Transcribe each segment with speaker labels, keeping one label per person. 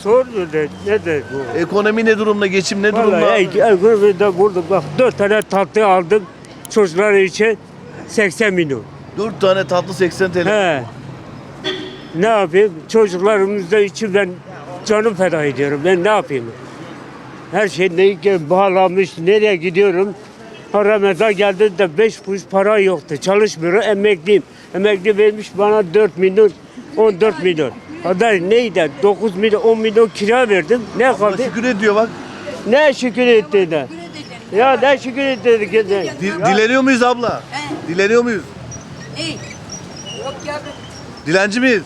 Speaker 1: Sor nedir bu?
Speaker 2: Ekonomi ne durumda? Geçim ne durumda?
Speaker 1: Vallahi ekonomide burada bak 4 tane tatlı aldım çocuklar için 80 milyon.
Speaker 2: 4 tane tatlı 80 TL.
Speaker 1: He. Ne yapayım? Çocuklarımızda için ben canım feda ediyorum. Ben ne yapayım? Her şey ne bağlamış, nereye gidiyorum? Ramazan geldi de 5 kuruş para yoktu. Çalışmıyorum, emekliyim. Emekli vermiş bana 4 milyon, 14 milyon. Kadar neydi? 9 milyon, 10 milyon kira verdim. Ne
Speaker 2: Allah
Speaker 1: kaldı?
Speaker 2: şükür ediyor bak.
Speaker 1: Ne şükür ettiğine. Ya ne şükür ettiğine.
Speaker 2: Dileniyor muyuz abla? Dileniyor muyuz?
Speaker 3: İyi. Yok ya.
Speaker 2: Dilenci miyiz?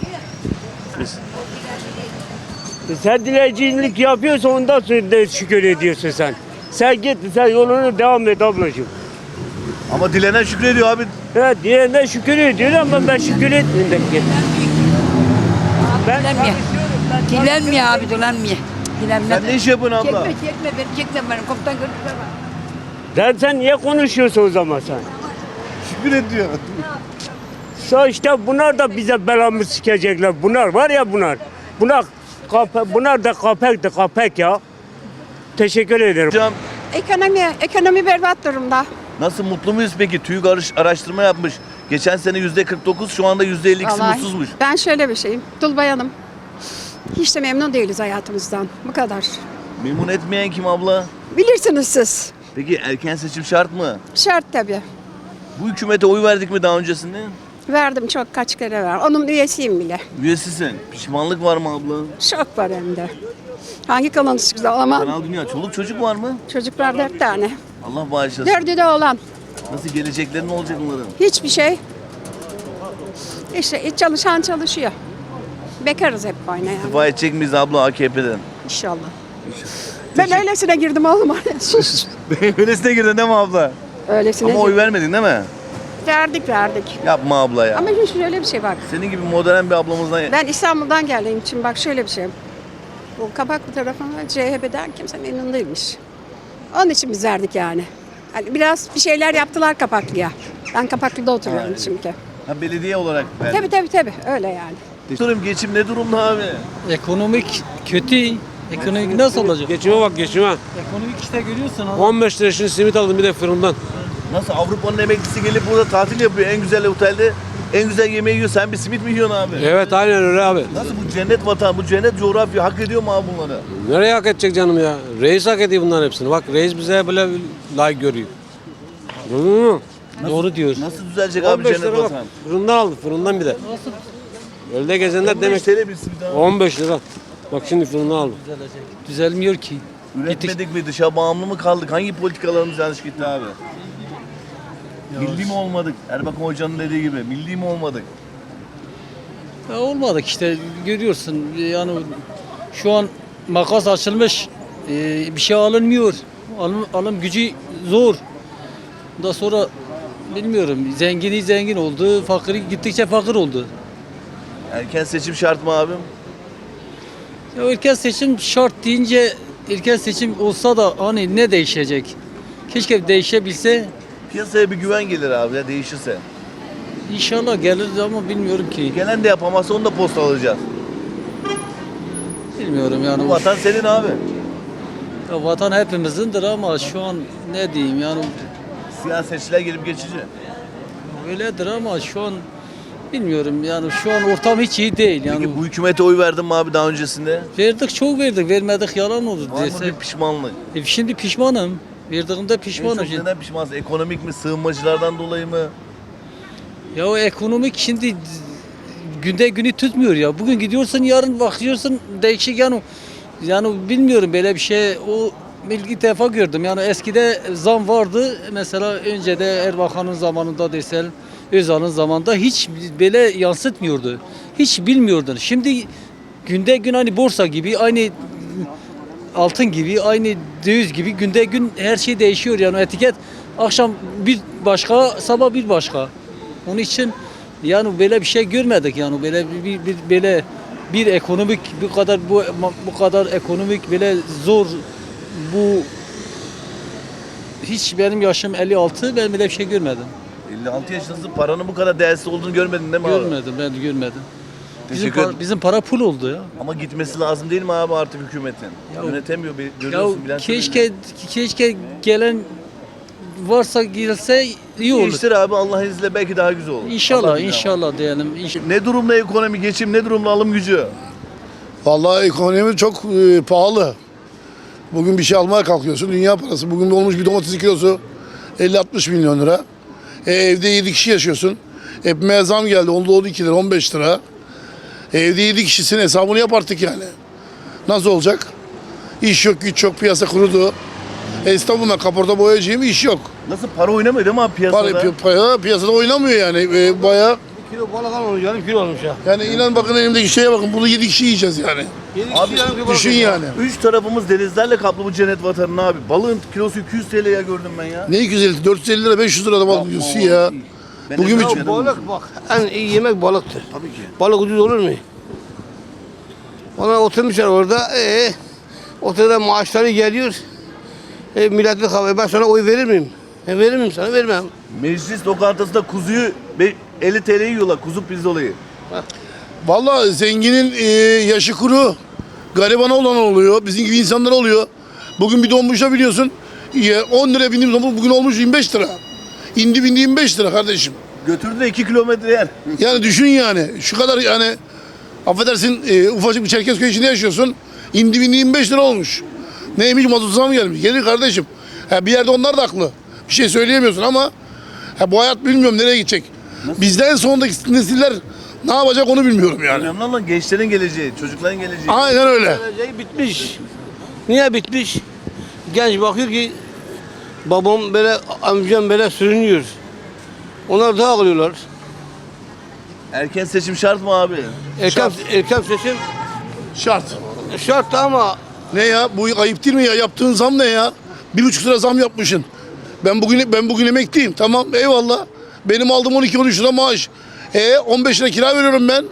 Speaker 1: Sen dilencilik yapıyorsan ondan sonra da şükür ediyorsun sen. Sen git, sen yoluna devam et ablacığım.
Speaker 2: Ama dilenen şükrediyor abi.
Speaker 1: Evet, diğerine şükür ediyor ama ben şükür etmeyeyim de git. Ben
Speaker 3: Dilenmiyor. Dilenmiyor abi, dilenmiyor. Dilenmiyor.
Speaker 2: Sen ne iş yapıyorsun abla?
Speaker 3: Çekme, beni çekme beni. Komutan görüşürüz.
Speaker 1: Sen niye konuşuyorsun o zaman sen?
Speaker 2: Şükür ediyor.
Speaker 1: İşte bunlar da bize belamı sikecekler. Bunlar var ya bunlar. Bunlar da kapek ya. Teşekkür ederim.
Speaker 2: Hocam
Speaker 4: Ekonomi berbat durumda.
Speaker 2: nasıl, mutlu muyuz peki? TÜİK araştırma yapmış. Geçen sene %49, şu anda %52'si
Speaker 4: Vallahi
Speaker 2: mutsuzmuş.
Speaker 4: ben şöyle bir şeyim. Dul bayanım. Hiç de memnun değiliz hayatımızdan. Bu kadar.
Speaker 2: Memnun etmeyen kim abla?
Speaker 4: Bilirsiniz siz.
Speaker 2: Peki erken seçim şart mı?
Speaker 4: Şart tabii.
Speaker 2: Bu hükümete oy verdik mi daha öncesinde?
Speaker 4: Verdim çok kaç kere ver. Onun üyesiyim bile.
Speaker 2: Üyesisin. Pişmanlık var mı abla?
Speaker 4: Çok var hem de. Hangi kanalı güzel ama
Speaker 2: Kanal Dünya. Çoluk çocuk var mı?
Speaker 4: çocuklar 4 tane.
Speaker 2: Allah bağışlasın.
Speaker 4: 4'ü de olan.
Speaker 2: Nasıl gelecekleri ne olacak onların?
Speaker 4: Hiçbir şey. İşte çalışan çalışıyor. Bekarız hep aynı yani.
Speaker 2: İstifa edecek miyiz abla AKP'den?
Speaker 4: İnşallah. Ben öylesine girdim oğlum. Sus.
Speaker 2: Öylesine girdin değil mi abla?
Speaker 4: Öylesine
Speaker 2: Ama oy vermedin değil mi?
Speaker 4: verdik.
Speaker 2: Yapma abla ya.
Speaker 4: Ama hiç şöyle bir şey bak.
Speaker 2: Senin gibi modern bir ablamızdan...
Speaker 4: Ben İstanbul'dan geldiğim için bak şöyle bir şey. Bu Kabaklı tarafına CHP'den kimse memnun değilmiş. Onun için biz verdik yani. Hani biraz bir şeyler yaptılar Kapaklı'ya. Ben Kapaklı'da oturuyorum çünkü.
Speaker 2: Ha, belediye olarak verdin.
Speaker 4: Tabii öyle yani.
Speaker 2: Sorum, geçim ne durumda abi?
Speaker 5: Ekonomik kötü. Ekonomik nasıl olacak?
Speaker 6: Geçime bak geçime.
Speaker 5: Ekonomik işte görüyorsun abi.
Speaker 6: 15 lira şimdi simit aldım bir de fırından.
Speaker 2: Nasıl, Avrupa'nın emeklisi gelip burada tatil yapıyor en güzel otelde, en güzel yemeği yiyor, sen bir simit mi yiyorsun abi?
Speaker 6: Evet aynen öyle abi.
Speaker 2: Nasıl, bu cennet vatan, bu cennet coğrafya hak ediyor mu abi bunları?
Speaker 6: Nereye hak edecek canım ya? Reis hak ediyor bunların hepsini. Bak reis bize böyle layık görüyor. Hı.
Speaker 5: Doğru diyorsun.
Speaker 2: Nasıl düzelecek abi
Speaker 6: 15
Speaker 2: cennet
Speaker 6: lira bak.
Speaker 2: vatan?
Speaker 6: Fırından aldı fırından bir de. Öyle gezenler
Speaker 2: 15
Speaker 6: demek.
Speaker 2: TL bir simit abi.
Speaker 6: 15 lira. Bak şimdi fırından aldım.
Speaker 5: Düzelmiyor ki.
Speaker 2: Üretmedik mi, dışa bağımlı mı kaldık? Hangi politikalarımız yanlış gitti abi? Milli mi olmadık? Erbakan Hoca'nın dediği gibi milli mi olmadık?
Speaker 5: Ya olmadık işte görüyorsun yani şu an makas açılmış bir şey alınmıyor. Alım gücü zor. Daha sonra bilmiyorum zengini zengin oldu, fakiri gittikçe fakir oldu.
Speaker 2: Erken seçim şart mı abim?
Speaker 5: Ya erken seçim şart deyince erken seçim olsa da hani ne değişecek? Keşke değişebilse.
Speaker 2: Piyasaya bir güven gelir abi ya, değişirse.
Speaker 5: İnşallah gelir ama bilmiyorum ki.
Speaker 2: Gelen de yapamazsa onu da posta alacağız.
Speaker 5: Bilmiyorum yani.
Speaker 2: Bu vatan senin abi.
Speaker 5: Ya vatan hepimizindir ama şu an ne diyeyim yani
Speaker 2: Siyasetçiler gelip geçici.
Speaker 5: öyledir ama şu an bilmiyorum yani şu an ortam hiç iyi değil yani.
Speaker 2: Peki bu hükümete oy verdin mi abi daha öncesinde?
Speaker 5: Verdik çok verdik vermedik yalan olur
Speaker 2: Var mı
Speaker 5: dese.
Speaker 2: bir pişmanlık?
Speaker 5: Şimdi pişmanım. Verdiğimde
Speaker 2: En
Speaker 5: pişmanım
Speaker 2: çok
Speaker 5: şimdi.
Speaker 2: neden pişmansın? Ekonomik mi, sığınmacılardan dolayı mı?
Speaker 5: Ya o ekonomik şimdi günde günü tutmuyor ya. Bugün gidiyorsun yarın bakıyorsun değişik yani bilmiyorum böyle bir şey o ilk defa gördüm. Yani eskide zam vardı. Mesela önce de Erbakan'ın zamanında desel Özal'ın zamanında hiç böyle yansıtmıyordu. Hiç bilmiyordun. Şimdi günde gün hani borsa gibi aynı altın gibi aynı döviz gibi günde gün her şey değişiyor yani etiket akşam bir başka sabah bir başka. Onun için yani böyle bir şey görmedik yani böyle böyle bir ekonomik bu kadar ekonomik böyle zor bu hiç benim yaşım 56 ben böyle bir şey görmedim.
Speaker 2: 56 yaşındasın, paranın bu kadar değersiz olduğunu görmedin değil mi abi?
Speaker 5: Görmedim ben görmedim.
Speaker 2: Teşekkür ederim.
Speaker 5: Bizim para pul oldu ya.
Speaker 2: Ama gitmesi lazım değil mi abi artık hükümetin? Yönetemiyor, görüyorsun
Speaker 5: Ya
Speaker 2: bilanço
Speaker 5: keşke gelen varsa girse iyi olur.
Speaker 2: İşler abi Allah izniyle belki daha güzel olur. Allah
Speaker 5: İnşallah,
Speaker 2: bilir
Speaker 5: inşallah diyelim.
Speaker 2: ama. Ne durumda ekonomi, geçim, ne durumda alım gücü?
Speaker 7: Vallahi ekonomi çok pahalı. Bugün bir şey almaya kalkıyorsun. Dünya parası. Bugün olmuş bir domatesin kilosu 50-60 milyon lira. Evde 7 kişi yaşıyorsun. Ekmeğe zam geldi. Onda 12 lira, 15 lira. Evde 7 kişisin hesabını yap artık yani. Nasıl olacak? İş yok, güç yok, piyasa kurudu. İstanbul'da kaporta boyacıyım, iş yok.
Speaker 2: Nasıl para oynamıyor değil mi abi piyasada?
Speaker 7: Piyasada oynamıyor yani. Bayağı
Speaker 8: Kilo balık almamış, yarım kilo almış ya.
Speaker 7: yani inan bakın elimdeki şeye bakın. Bunu 7 kişi yiyeceğiz yani.
Speaker 2: Abi
Speaker 7: Düşün yani.
Speaker 2: Üç tarafımız denizlerle kaplı bu cennet vatanın abi. Balığın kilosu 200 TL'ye gördüm ben ya.
Speaker 7: Ne 250, 450 lira, 500 lira da balık yiyorsun ya.
Speaker 2: Ben
Speaker 7: Bugün
Speaker 2: de
Speaker 7: bir-
Speaker 2: canım.
Speaker 8: Balık bak, en iyi yemek balıktır.
Speaker 2: Tabii ki.
Speaker 8: Balık ucuz olur mu? Ona oturmuşlar orada, oturda maaşları geliyor. Milletin havayı, ben sana oy verir miyim? Verir miyim sana? Vermem.
Speaker 2: Meclis lokantasında kuzuyu 50 TL yiyorlar, kuzu pirzolayı.
Speaker 7: Vallahi zenginin yaşı kuru, garibana olan oluyor, bizim gibi insanlar oluyor. Bugün bir donmuşa biliyorsun, 10 liraya bindiğim zaman bugün olmuş 25 lira. İndi bindi 25 lira kardeşim.
Speaker 2: Götürdü de 2 kilometre yer.
Speaker 7: Yani düşün yani, şu kadar yani, affedersin ufacık bir Çerkezköy içinde yaşıyorsun, indi bindi 25 lira olmuş. Neymiş, mazot zam gelmiş. Gelir kardeşim. Bir yerde onlar da haklı. Bir şey söyleyemiyorsun ama bu hayat bilmiyorum nereye gidecek. Bizden sonraki nesiller ne yapacak onu bilmiyorum yani.
Speaker 2: Önemli olan gençlerin geleceği, çocukların geleceği.
Speaker 7: Aynen öyle.
Speaker 8: Geleceği bitmiş. Niye bitmiş? Genç bakıyor ki babam böyle, amcam böyle sürünüyor. Onlar daha alıyorlar.
Speaker 2: Erken seçim şart mı abi?
Speaker 8: Erken seçim
Speaker 7: Şart.
Speaker 8: şart ama
Speaker 7: Ne ya? Bu ayıp değil mi ya? Yaptığın zam ne ya? 1,5 lira zam yapmışsın. Ben bugün emekliyim. Tamam eyvallah. Benim aldığım 12-13 lira maaş. 15 lira kira veriyorum ben.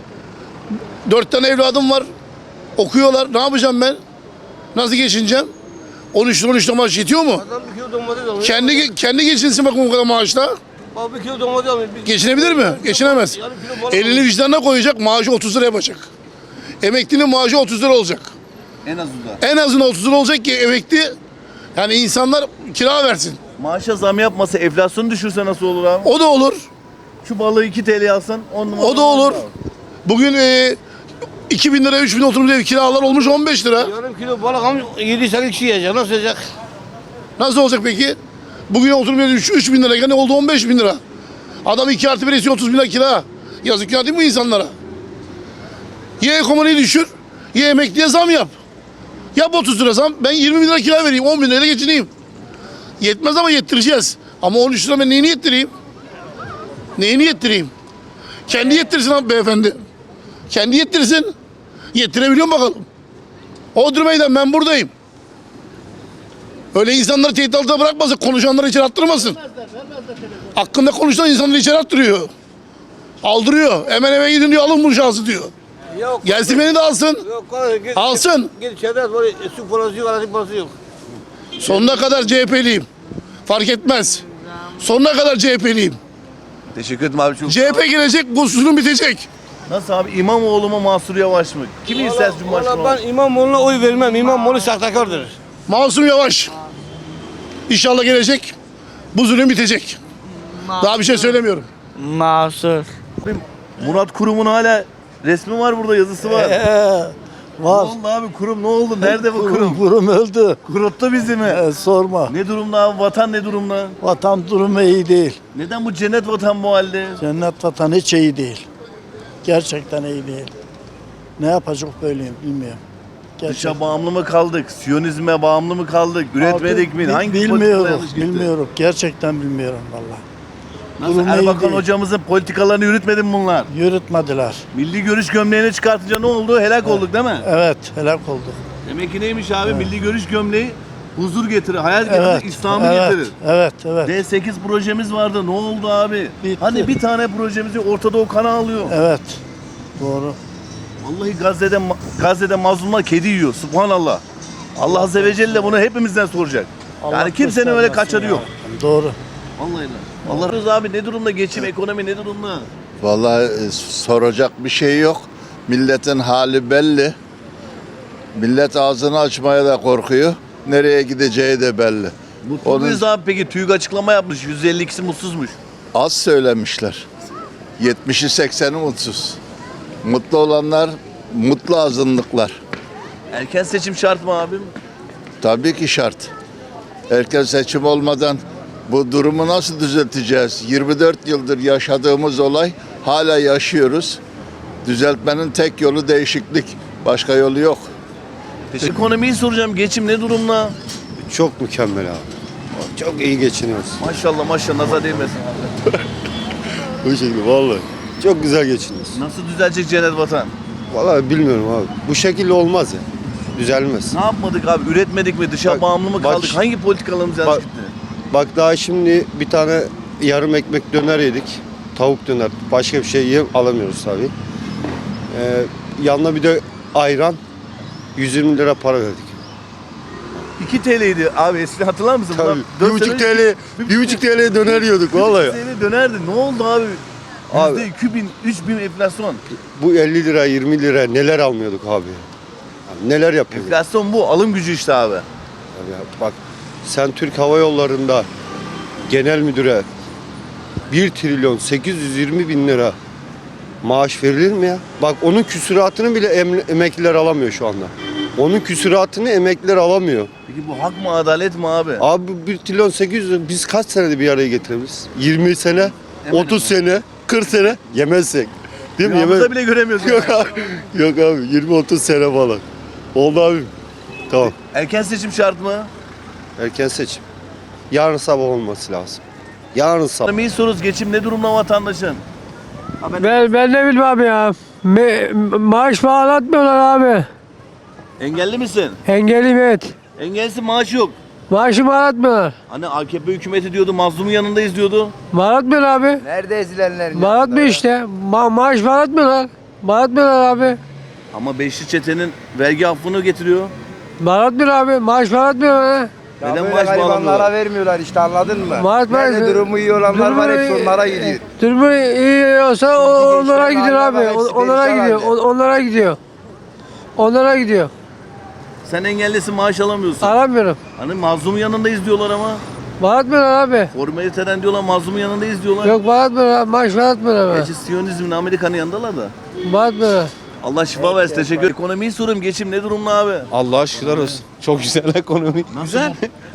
Speaker 7: 4 tane evladım var. Okuyorlar. Ne yapacağım ben? Nasıl geçineceğim? 13 lira maaş yetiyor mu?
Speaker 8: adam bir kilo domates alıyor.
Speaker 7: Kendi geçinsin bakın bu kadar maaşla.
Speaker 8: Bak bir kilo domates alıyor.
Speaker 7: Geçinebilir mi? Geçinemez.
Speaker 8: Yarım kilo balık
Speaker 7: Elini vicdanına koyacak, maaşı 30 lira yapacak. Emeklinin maaşı 30 lira olacak.
Speaker 2: En azından.
Speaker 7: En azından 30 lira olacak ki emekli, yani insanlar kira versin.
Speaker 2: Maaşa zam yapmasa, enflasyonu düşürse nasıl olur abi?
Speaker 7: O da olur.
Speaker 2: Şu balığı 2 TL alsan 10 numara.
Speaker 7: O da olur. Bugün 2.000 lira, 3.000 oturum ev kiralar olmuş 15 lira.
Speaker 8: Yarım kilo balık almış 7-8 kişi yiyecek. Nasıl yiyecek?
Speaker 7: Nasıl olacak peki? Bugün oturum evi 3.000 lira, ne oldu 15.000 lira. Adam 2+1 istiyor 30 bin lira kira. Yazık ya değil mi insanlara? Ya ekonomiyi düşür, ya emekliye zam yap. Yap 30 lira zam, ben 20 bin lira kira vereyim, 10 bin lirayla geçineyim. Yetmez ama yettireceğiz. Ama 13 lira ben neyini yettireyim? Neyini yettireyim? Kendi yettirsin abi beyefendi. Kendi yettirsin. Yettirebiliyor mu bakalım? Odri Meydan, ben buradayım. Öyle insanları tehdit altında bırakmasın, konuşanları içeri attırmasın. Hakkında konuşan insanları içeri attırıyor. Aldırıyor. Hemen eve gidin diyor, alın bu şahsı diyor.
Speaker 8: Yok.
Speaker 7: Gelsin beni de alsın.
Speaker 8: Yok.
Speaker 7: Alsın.
Speaker 8: Gel içeride var. Su parası yok, elektrik parası yok.
Speaker 7: Sonuna kadar CHP'liyim. Fark etmez. Sonuna kadar CHP'liyim.
Speaker 2: Teşekkür ederim abi çok.
Speaker 7: CHP gelecek, bu sorun bitecek.
Speaker 2: Nasıl abi, İmamoğlu mu Mansur Yavaş mı? Kimi istersin Cumhurbaşkanı
Speaker 8: Valla
Speaker 2: olarak?
Speaker 8: ben İmamoğlu'na oy vermem. İmamoğlu sahtekardır.
Speaker 7: Masum Yavaş. İnşallah gelecek. Bu zulüm bitecek. Daha bir şey söylemiyorum.
Speaker 3: Mahsur.
Speaker 2: Murat Kurum'un hala resmi var burada, yazısı var. Ne
Speaker 9: Var.
Speaker 2: oldu abi, kurum ne oldu? Nerede bu kurum?
Speaker 9: Kurum öldü.
Speaker 2: Kuruttu bizi mi?
Speaker 9: Sorma.
Speaker 2: Ne durumda abi, vatan ne durumda?
Speaker 9: Vatan durumu iyi değil.
Speaker 2: Neden bu cennet vatan bu halde?
Speaker 9: Cennet vatan hiç iyi değil. Gerçekten iyi değil. Ne yapacak böyle bilmiyorum.
Speaker 2: Dışa bağımlı mı kaldık? Siyonizme bağımlı mı kaldık? Üretmedik mi? Hangi politikada
Speaker 9: bilmiyorum.
Speaker 2: yanlış gitti?
Speaker 9: Bilmiyorum. Gerçekten bilmiyorum valla.
Speaker 2: Nasıl,
Speaker 9: Durum iyi
Speaker 2: Erbakan
Speaker 9: değil.
Speaker 2: hocamızın politikalarını yürütmedi mi bunlar?
Speaker 9: Yürütmediler.
Speaker 2: Milli görüş gömleğini çıkartınca ne oldu? Helak olduk değil mi?
Speaker 9: Evet, helak oldu.
Speaker 2: Demek ki neymiş abi? Milli görüş gömleği huzur getirir, hayat getirir,
Speaker 9: Evet.
Speaker 2: İslam'ı
Speaker 9: evet,
Speaker 2: getirir.
Speaker 9: Evet, evet.
Speaker 2: D8 projemiz vardı. Ne oldu abi?
Speaker 9: Bitti.
Speaker 2: Hani bir tane projemiz yok, Orta Doğu kanı alıyor.
Speaker 9: Evet. Doğru.
Speaker 2: Vallahi Gazze'de mazlumlar kedi yiyor. Subhanallah. Allah Azze ve Celle bunu hepimizden soracak.
Speaker 9: Allah
Speaker 2: Yani kimsenin öyle
Speaker 9: göstermesin
Speaker 2: kaçarı
Speaker 9: ya.
Speaker 2: yok.
Speaker 9: Doğru.
Speaker 2: Vallahi de. Allah razı abi, ne durumda geçim, ekonomi ne durumda?
Speaker 10: Vallahi soracak bir şey yok. Milletin hali belli. Millet ağzını açmaya da korkuyor. Nereye gideceği de belli.
Speaker 2: Mutlu muyuz abi peki? TÜİK açıklama yapmış. %52'si mutsuzmuş.
Speaker 10: Az söylemişler. 70'i 80'i mutsuz. Mutlu olanlar mutlu azınlıklar.
Speaker 2: Erken seçim şart mı abim?
Speaker 10: Tabii ki şart. Erken seçim olmadan bu durumu nasıl düzelteceğiz? 24 yıldır yaşadığımız olay hala yaşıyoruz. Düzeltmenin tek yolu değişiklik. Başka yolu yok.
Speaker 2: Ekonomiyi soracağım. Geçim ne durumda?
Speaker 11: Çok mükemmel abi. Çok iyi geçiniyoruz.
Speaker 2: Maşallah maşallah nazar değmesin abi.
Speaker 11: Bu şekilde vallahi. Çok güzel geçiniyoruz.
Speaker 2: Nasıl düzelecek cennet vatan?
Speaker 11: Vallahi bilmiyorum abi. Bu şekilde olmaz ya. Düzelmez.
Speaker 2: Ne yapmadık abi? Üretmedik mi? Dışa
Speaker 11: Bak-
Speaker 2: bağımlı mı
Speaker 11: bak-
Speaker 2: kaldık? Hangi politikalarımız yanlış
Speaker 11: bak-
Speaker 2: gitti?
Speaker 11: Bak daha şimdi bir tane yarım ekmek döner yedik. Tavuk döner. Başka bir şey alamıyoruz tabii. Yanına bir de ayran. 120 lira para verdik.
Speaker 2: 2 TL'ydi abi. Eskiden hatırlar mısın?
Speaker 11: Tabii.
Speaker 2: Bundan
Speaker 11: 1,5
Speaker 2: dört sene-
Speaker 11: TL, 1,5 TL döner yiyorduk vallahi.
Speaker 2: TL dönerdi. Ne oldu abi?
Speaker 11: Abi-
Speaker 2: %2000, 3000 enflasyon.
Speaker 11: Bu 50 lira, 20 lira neler almıyorduk abi. Yani neler yapıyorduk.
Speaker 2: Enflasyon bu. Alım gücü işte abi.
Speaker 11: Ya bak sen Türk Hava Yolları'nda genel müdüre 1 trilyon 820 bin lira maaş verilir mi ya? Bak onun küsuratını bile emekliler alamıyor şu anda. Onun küsuratını emekliler alamıyor.
Speaker 2: Peki bu hak mı adalet mi abi?
Speaker 11: Abi 1 trilyon 800 biz kaç senede bir araya getirebiliriz? 20 sene, 30 sene, 40 sene yemezsek. Değil mi?
Speaker 2: Rüyamızda bile göremiyoruz.
Speaker 11: Yok
Speaker 2: yani.
Speaker 11: abi. Yok abi 20-30 sene falan. Oldu abi. Tamam.
Speaker 2: Erken seçim şart mı?
Speaker 11: Erken seçim. Yarın sabah olması lazım. Yarın sabah.
Speaker 2: Ekonomiyi soruyoruz. Geçim ne durumda vatandaşın?
Speaker 1: Ben ne bileyim abi ya. Maaş bağlatmıyorlar abi.
Speaker 2: Engelli misin?
Speaker 1: Engelliyim evet.
Speaker 2: Engellisin maaş yok.
Speaker 1: Maaşı bağlatmıyorlar.
Speaker 2: Hani AKP hükümeti diyordu, mazlumun yanındayız diyordu.
Speaker 1: Bağlatmıyor abi.
Speaker 8: Nerede ezilenler?
Speaker 1: Bağlatmıyor işte. Maaş bağlatmıyorlar. Bağlatmıyorlar abi.
Speaker 2: Ama Beşli Çete'nin vergi affını getiriyor.
Speaker 1: Bağlatmıyor abi. Maaş bağlatmıyor ha.
Speaker 2: Neden maaş bağlamıyorlar?
Speaker 8: vermiyorlar işte anladın mı?
Speaker 1: Maaş bağlatmıyor.
Speaker 8: durumu iyi olanlar var hepsi onlara gidiyor.
Speaker 1: Durumu iyi olsa onlara
Speaker 8: gençlerin
Speaker 1: gidiyor
Speaker 8: haline
Speaker 1: abi.
Speaker 8: bak, hepsi
Speaker 1: Onlara
Speaker 8: perişan
Speaker 1: gidiyor.
Speaker 8: halde.
Speaker 1: Onlara gidiyor. Onlara gidiyor.
Speaker 2: Sen engellisin maaş alamıyorsun.
Speaker 1: Aramıyorum.
Speaker 2: Hani mazlumun yanındayız diyorlar ama.
Speaker 1: Bağlatmıyorlar abi.
Speaker 2: Formaliteden diyorlar, mazlumun yanındayız diyorlar.
Speaker 1: Yok bağlatmıyorlar abi. Maaş bağlatmıyorlar abi.
Speaker 2: Gerçi Siyonizmin Amerika'nın yanındalar da.
Speaker 1: Bağlatmıyorlar.
Speaker 2: Allah şifa versin. Teşekkür ederim. Ekonomiyi soruyorum. Geçim ne durumda abi?
Speaker 6: Allah'a şükürler olsun. Çok güzel ekonomi.
Speaker 2: Güzel.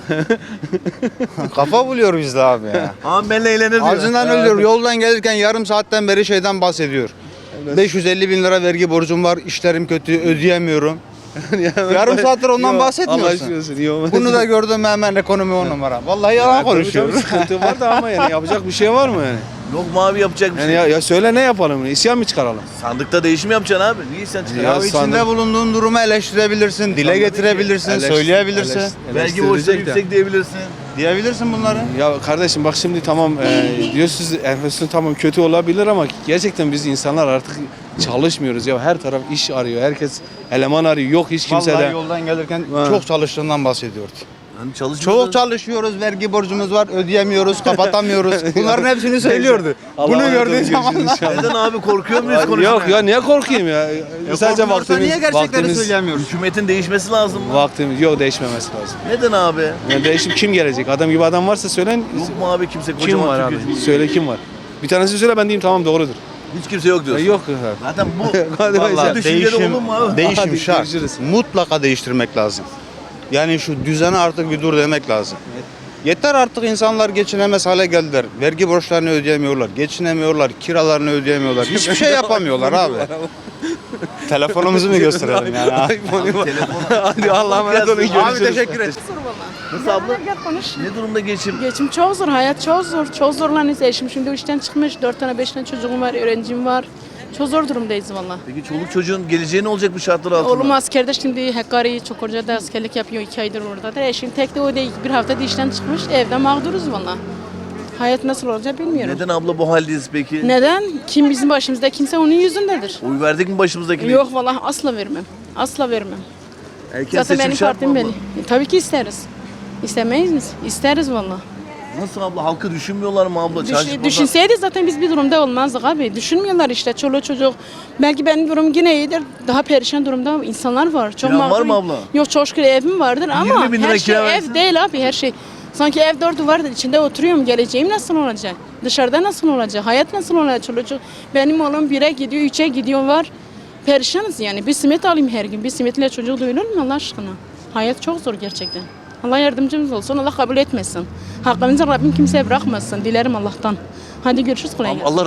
Speaker 12: Kafa buluyor bizde abi ya.
Speaker 2: Abi benimle eğlenir diyor.
Speaker 12: Ağzından ölüyor. Yoldan gelirken yarım saatten beri şeyden bahsediyor. 550 bin lira vergi borcum var, işlerim kötü, ödeyemiyorum. Yarım saattir ondan bahsetmiyorsun. Bunu da gördüm hemen ekonomi 10 numara. Vallahi yalan konuşuyor.
Speaker 6: Sıkıntı var da ama yani yapacak bir şey var mı yani?
Speaker 2: Yok mu abi yapacak bir
Speaker 6: Yani
Speaker 2: şey?
Speaker 6: ya söyle ne yapalım? İsyan mı çıkaralım?
Speaker 2: Sandıkta değişim yapacaksın abi. Niye sen
Speaker 12: Ya
Speaker 2: çıkarıyorsun?
Speaker 12: içinde bulunduğun durumu eleştirebilirsin, dile getirebilirsin, söyleyebilirsin.
Speaker 2: Vergi borçları yüksek diyebilirsin.
Speaker 12: Diyebilirsin bunları.
Speaker 6: Ya kardeşim bak şimdi tamam diyorsunuz enflasyon tamam kötü olabilir ama gerçekten biz insanlar artık çalışmıyoruz ya. Her taraf iş arıyor. Herkes eleman arıyor. Yok hiç kimse
Speaker 12: Vallahi
Speaker 6: de.
Speaker 12: yoldan gelirken
Speaker 6: Ha.
Speaker 12: çok çalıştığından bahsediyordu.
Speaker 2: Hani çalışmıyorsun.
Speaker 12: Çok çalışıyoruz, vergi borcumuz var, ödeyemiyoruz, kapatamıyoruz. Bunların hepsini söylüyordu. Bunu gördüğün zaman
Speaker 2: Neden abi korkuyor muyuz konuşmaya?
Speaker 6: Yok ya niye korkayım ya? Sadece vaktimiz,
Speaker 12: niye gerçekleri
Speaker 6: vaktimiz,
Speaker 12: söyleyemiyoruz?
Speaker 2: Hükümetin değişmesi lazım mı?
Speaker 6: vaktimiz yok değişmemesi lazım.
Speaker 2: Neden abi?
Speaker 6: Yani değişim kim gelecek? Adam gibi adam varsa söyleyin.
Speaker 2: Yok mu abi kimse
Speaker 6: Kim
Speaker 2: kocaman
Speaker 6: var abi?
Speaker 2: Türkiye Cumhuriyeti?
Speaker 6: Söyle kim var? Bir tanesi söyle ben diyeyim tamam doğrudur.
Speaker 2: Hiç kimse yok diyorsun.
Speaker 6: Yok.
Speaker 2: Zaten bu
Speaker 6: Hadi
Speaker 2: vallahi
Speaker 6: bakalım.
Speaker 2: düşüncede olur mu abi?
Speaker 12: Değişim
Speaker 6: Hadi
Speaker 12: şart.
Speaker 6: görüşürüz.
Speaker 12: Mutlaka değiştirmek lazım. Yani şu düzene artık bir dur demek lazım. Yeter artık insanlar geçinemez hale geldiler. Vergi borçlarını ödeyemiyorlar, geçinemiyorlar, kiralarını ödeyemiyorlar. Hiçbir şey yapamıyorlar abi. Telefonumuzu mu gösterelim yani?
Speaker 6: Hadi Allah'a emanet olun.
Speaker 12: Abi teşekkür ederim.
Speaker 2: Nasıl abla?
Speaker 3: Gel konuş.
Speaker 2: Ne durumda geçim?
Speaker 3: Geçim çok zor, hayat çok zor. Çok zorlanıyoruz. Eşim şimdi işten çıkmış. 4 tane 5 tane çocuğum var, öğrencim var. Çok zor durumdayız valla.
Speaker 2: Peki çoluk çocuğun geleceği ne olacak bu şartlar altında?
Speaker 3: Oğlum askerde şimdi Hakkari Çukurca'da askerlik yapıyor 2 aydır orada da. Eşim tek de o değil. Bir hafta da işten çıkmış. Evde mağduruz valla. Hayat nasıl olacak bilmiyorum.
Speaker 2: Neden abla bu haldeyiz peki?
Speaker 3: Neden? Kim bizim başımızda kimse onun yüzündedir.
Speaker 2: Oy verdik mi başımızdakine?
Speaker 3: Yok valla asla vermem. Asla vermem.
Speaker 2: Erken
Speaker 3: Zaten
Speaker 2: seçim
Speaker 3: benim
Speaker 2: şart mı
Speaker 3: partim
Speaker 2: abla?
Speaker 3: belli. Tabii ki isteriz. İstemeyiz mi? İsteriz valla.
Speaker 2: Nasıl abla? Halkı düşünmüyorlar mı abla? Çarşı pazar-
Speaker 3: Düşünseydi zaten biz bir durumda olmazdık abi. Düşünmüyorlar işte çoluk çocuk. Belki benim durum yine iyidir. Daha perişan durumda insanlar var. Çok
Speaker 2: Kiran var
Speaker 3: mağdur.
Speaker 2: mı abla?
Speaker 3: Yok çok şükür evim vardır ama
Speaker 2: 20 bin lira
Speaker 3: her şey
Speaker 2: kira
Speaker 3: ev
Speaker 2: versin.
Speaker 3: değil abi her şey. Sanki ev dört duvardır içinde oturuyorum. Geleceğim nasıl olacak? Dışarıda nasıl olacak? Hayat nasıl olacak çoluk çocuk? Benim oğlum 1'e gidiyor, 3'e gidiyor var. Perişanız yani. Bir simit alayım her gün. Bir simitle çocuk doyulur mu Allah aşkına? Hayat çok zor gerçekten. Allah yardımcımız olsun. Allah kabul etmesin. Hakkımızı Rabbim kimseye bırakmasın. Dilerim Allah'tan. Hadi görüşürüz. Kolay gelsin.
Speaker 2: Allah